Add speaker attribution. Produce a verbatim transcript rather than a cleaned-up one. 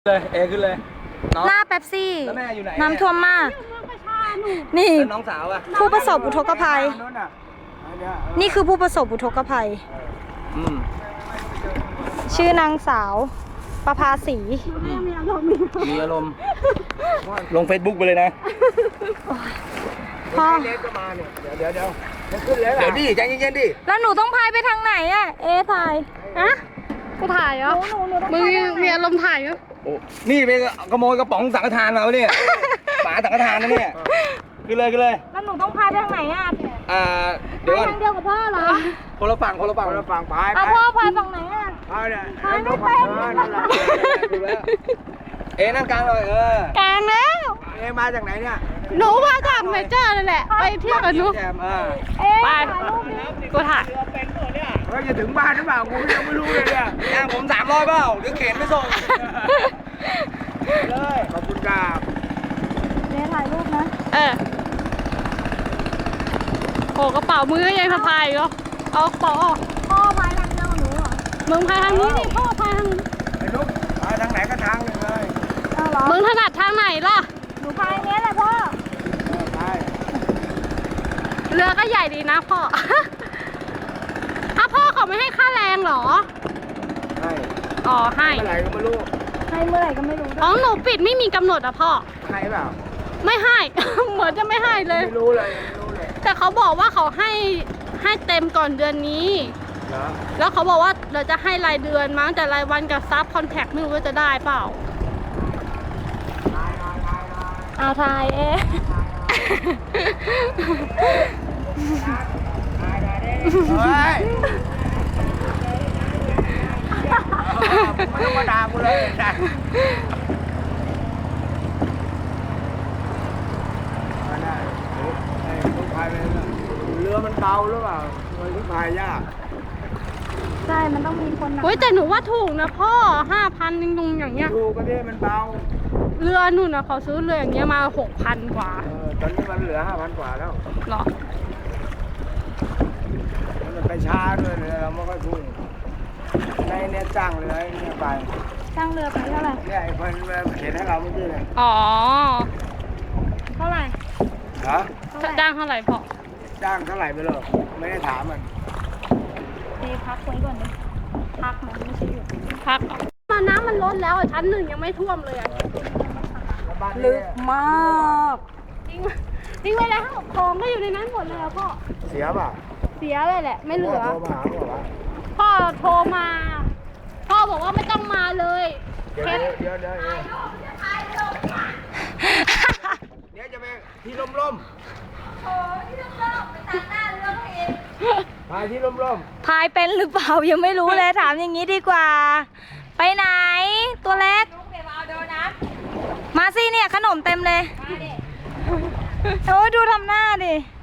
Speaker 1: เลยเอขึ้นเลย
Speaker 2: หน้าเป๊ปซี่
Speaker 1: แล้วแม่อยู่ไหน
Speaker 2: น้ำท่วมมาก นี่
Speaker 1: แล้วน้องสาวอะ
Speaker 2: ผู้ประสบอุทกภัย นี่คือผู้ประสบอุทกภัย
Speaker 1: อืม
Speaker 2: ชื่อนางสาวประภาสี
Speaker 1: มีอารมณ์มีอารมณ์ลงเฟซบุ๊กไปเลยนะ
Speaker 2: พ่อ
Speaker 3: เล็กก็มาเนี่ยเดี๋ยวเดี๋ยวเดี๋ยวมันขึ้นแล้ว
Speaker 1: เดี๋ยวดิใจเย็นๆดิ
Speaker 2: แล้วหนูต้องพายไปทางไหนอะเอะถ่าย
Speaker 4: ฮะกูถ่ายเหรอ
Speaker 2: หนูหนูต้อง
Speaker 4: มึง
Speaker 2: พายทางไหน
Speaker 4: มีอารมณ์ถ่ายเหรอ
Speaker 1: โอ้นี่ไปขโมยกระป๋องสังฆทานเราเนี่ยฝาสังฆทานนะเนี่ยขึ้นเลยขึ้นเลย
Speaker 2: แล้วหนูต้องพายไปทางไหนอะ
Speaker 1: อ่าเดี๋ยว
Speaker 2: พาย
Speaker 1: ก่อน
Speaker 2: ทางเดียวกับพ่อเหรอ
Speaker 1: คนละฝั่งคนละฝั่ง
Speaker 3: คนละฝั่งไป
Speaker 2: เอา
Speaker 3: ไป
Speaker 2: พ่อพายฝั่งไหนอะ
Speaker 3: เอาเนี่ย
Speaker 2: พายไม่
Speaker 3: ฝั่
Speaker 2: เป็น
Speaker 3: งเออนั่นแหละ
Speaker 1: ถูกแล้วเอ๊ะนั่งกลางเลยเออก
Speaker 4: ลางแล้ว
Speaker 3: เอ๊ะมาจากไหนเนี่ย
Speaker 4: หนูมาจากเมเจอร์นั่นแหละ ไปเที่ยวกับหนู
Speaker 1: แจมอ่า
Speaker 2: เอ๊ะ
Speaker 4: ไป
Speaker 2: ถ่ายรูปดิ
Speaker 4: กูถ่าย
Speaker 3: เฮ้ยจะถึงบ้านหรือเปล่ากูยังไม่รู้เลยเนี่ย
Speaker 1: ย่างผมสามร้อยเปล่าเดี๋ยวเข็นไม่ส่ง
Speaker 3: เลยขอบคุณครับ
Speaker 2: เอ๊ะถ่ายรูปนะ
Speaker 4: เออโอ้กระเป๋ามือก็ยังสะพายอีกเหรอเอากระเป๋าออก
Speaker 2: พ่อพายทางเดียวกับหนูเหรอ
Speaker 4: มึงพายทางนี้ดิพ่อพายทางนี้
Speaker 3: ไอ้นุ๊กไปทางไหนก็ทางหนึ่งเลย
Speaker 2: เอาเหรอ
Speaker 4: มึงถนัดทางไหนล่ะ
Speaker 2: หนูพายเนี้ยแหละพ่อ
Speaker 3: เออไป
Speaker 4: เรือก็ใหญ่ดีนะพ่อ อ้าวพ่อเขาไม่ให้ค่าแรงเหรอ
Speaker 3: ให้
Speaker 4: อ๋อให้
Speaker 3: เมื่อไหร่ก็ไม่รู้
Speaker 2: ให้เมื่อไหร่ก็ไม่รู้ด้วย
Speaker 4: อ๋อหนูปิดไม่มีกำหนดอะพ่อ
Speaker 3: ให้เปล่า
Speaker 4: ไม่ให้ เหมือนจะไม่ให้เลย
Speaker 3: ไม่รู้เลยไม่รู้เลย
Speaker 4: แต่เขาบอกว่าเขาให้ให้เต็มก่อนเดือนนี้
Speaker 3: เหรอ
Speaker 4: แล้วเขาบอกว่าเราจะให้รายเดือนมั้งแต่รายวันกับซับคอนแทคไม่รู้ว่าจะได้เปล่า
Speaker 2: เอาถ่ายเอ๊ะ
Speaker 3: เฮ้ยไม่ต้องมาด่ากูเลยนะมาได้ไอ้ลูกพายไปเลยเรือมันเบาหรือเปล่ามันลูกพายยาก
Speaker 2: ใช่ มันต้องมีคนหนัก
Speaker 4: เฮ้ยแต่หนูว่าถูกนะพ่อห้าพันนึงตรงอย่างเงี้ย
Speaker 3: ถูกก็ที่มันเบา
Speaker 4: เรือหนูนะเขาซื้อเรืออย่างเงี้ยมาหกพันกว่า
Speaker 3: เออตอนนี้มันเหลือห้าพันกว่าแล้ว
Speaker 4: เหรอ
Speaker 3: มันไปช้าด้วยเลยเราไม่ค่อยพุ่งในเนี่ยจ้างเรือไอ้เนี่ยไป
Speaker 2: จ้างเรือไปเท่าไหร่
Speaker 3: เนี่ยไอ้คนเขียนให้เราเมื่อกี้เลย
Speaker 4: อ๋อ
Speaker 2: เท่าไหร่
Speaker 3: เหรอ
Speaker 2: เท่าไหร่
Speaker 4: จ้างเท่าไหร่พ่อ
Speaker 3: จ้างเท่าไหร่ไปเลยไม่ได้ถามมัน
Speaker 2: เดพักไว้ก่อนดิพักมันไม่ใช่หยุด
Speaker 4: พักก่อนมาน้ำมันลดแล้วอะชั้นหนึ่งยังไม่ท่วมเลยอะ
Speaker 3: แล้วบ้าน
Speaker 2: ลึ
Speaker 3: นี้
Speaker 2: กมาก
Speaker 4: ทิ้งทิ้งไว้แล้วของก็อยู่ในนั้นหมดเลยอะพ่อ
Speaker 3: เสียป่ะ
Speaker 4: เสียเลยแหละ ไม่เหลือ
Speaker 3: โทรมาหาบอกว่า
Speaker 4: พ่อโทรมา พ่อบอกว่าไม่ต้องมาเลย
Speaker 3: เดี๋ยว
Speaker 4: แค่
Speaker 3: เดี๋ยวเดี๋ยวเดี๋ยวเดี๋ยวจะไปที่ลมลมโอ้ที่ลมลมไปตัดหน้าเรือเองไปที่ลมลม
Speaker 2: พายเป็นหรือเปล่ายังไม่รู้เลยถามอย่างนี้ดีกว่า ไปไหน ตัวเล็ก มาสิเนี่ยขนมเต็มเลยโอ้ยดูทำหน้าดิ